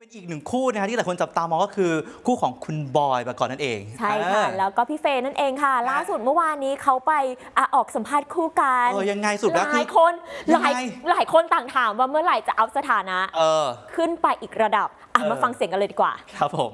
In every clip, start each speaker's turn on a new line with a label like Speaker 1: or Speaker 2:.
Speaker 1: อีกหนึ่งคู่นะคะที่หลายคนจับตามองก็คือคู่ของคุณบอยปกรณ์นั่นเอง
Speaker 2: ใช่ค่ะแล้วก็พี่เฟย์นั่นเองค่ะล่าสุดเมื่อวานนี้เขาไปออกสัมภาษณ์คู่กัน
Speaker 1: ยังไงสุดแล้ว
Speaker 2: หลายคนหลายคนต่างถามว่าเมื่อไหร่จะอัพสถานะขึ้นไปอีกระดับมาฟังเสียงกันเลยดีกว่า
Speaker 1: ครับผม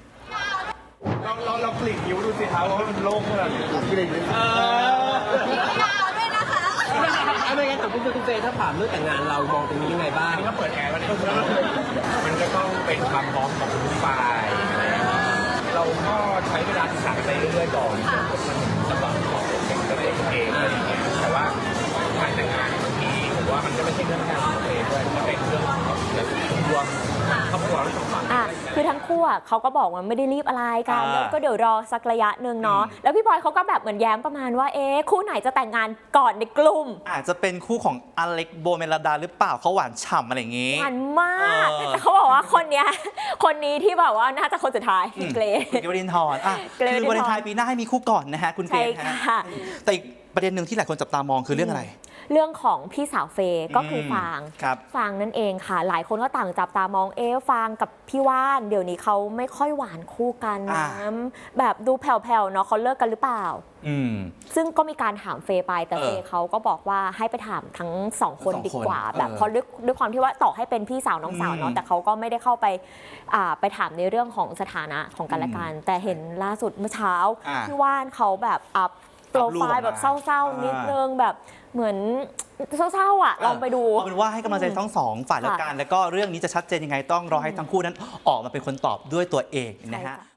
Speaker 3: เรากลิ่นนิ้วดูสิครับว่ามันโล่งขนาดไหนกลิ่นนิ้วยาวด้วยนะคะ
Speaker 4: ไม่งั้นแต่คุณเฟย์ถ้าถามเรื่องแต่งงานเรามองตรงนี้ยังไงบ้าง
Speaker 3: ก็เปิดแอร์มันก็ต้องเป็นความพร้อมของทุกฝ่ายเราก็ใช้เวลาศึกษาไปเรื่อยๆก่อนสำหรับของตัวเองอะไรอย่างเงี้ยแต่ว่าการแต่งงานบางทีผมว่ามันก็ไม่ใช่เรื่องแค่ของตัวเองด้วยมันเป็นเรื่องของรวมครอบครัวทั้งสองฝ่าย
Speaker 2: คือทั้งคู่เขาก็บอกว่าไม่ได้รีบอะไรกันก็เดี๋ยวรอสักระยะหนึ่งเนาะแล้วพี่บอยเขาก็แบบเหมือนแย้มประมาณว่าคู่ไหนจะแต่งงานก่อนในกลุ่ม
Speaker 1: อาจจะเป็นคู่ของอเล็กโบเมลดาหรือเปล่าเขาหวานฉ่ำอะไรอย่างงี้
Speaker 2: หวานมากแต่เขาบอกว่าคนนี้ที่แบบว่าน่าจะคนสุดท้ายเกรซ
Speaker 1: วรินทร์คือวาเลนไทน์ปีหน้าให้มีคู่ก่อนนะฮะคุณเกรซ
Speaker 2: ค่ะ
Speaker 1: แต่อีกประเด็นหนึ่งที่หลายคนจับตามองคือเรื่องอะไร
Speaker 2: เรื่องของพี่สาวเฟย์ก็คือฟางนั่นเองค่ะหลายคนก็ต่างจับตามองฟางกับพี่ว่านเดี๋ยวนี้เขาไม่ค่อยหวานคู่กันนะแบบดูแผ่วๆเนาะเขาเลิกกันหรือเปล่าซึ่งก็มีการถามเฟย์ไปแต่เฟย์เขาก็บอกว่าให้ไปถามทั้งสองคนดีกว่าแบบเพราะด้วยความที่ว่าต่อให้เป็นพี่สาวน้องสาวเนาะแต่เขาก็ไม่ได้เข้าไปถามในเรื่องของสถานะของกันและกันแต่เห็นล่าสุดเมื่อเช้าพี่ว่านเขาแบบอัพโปรไฟล์แบบเศร้าๆนิดนึงแบบเหมือนเศร้าๆลองไปดู
Speaker 1: เอาเป็นว่าให้กำลังใจทั้งสองฝ่ายแล้วกันแล้วก็เรื่องนี้จะชัดเจนยังไงต้องรอให้ทั้งคู่นั้นออกมาเป็นคนตอบด้วยตัวเองนะฮะ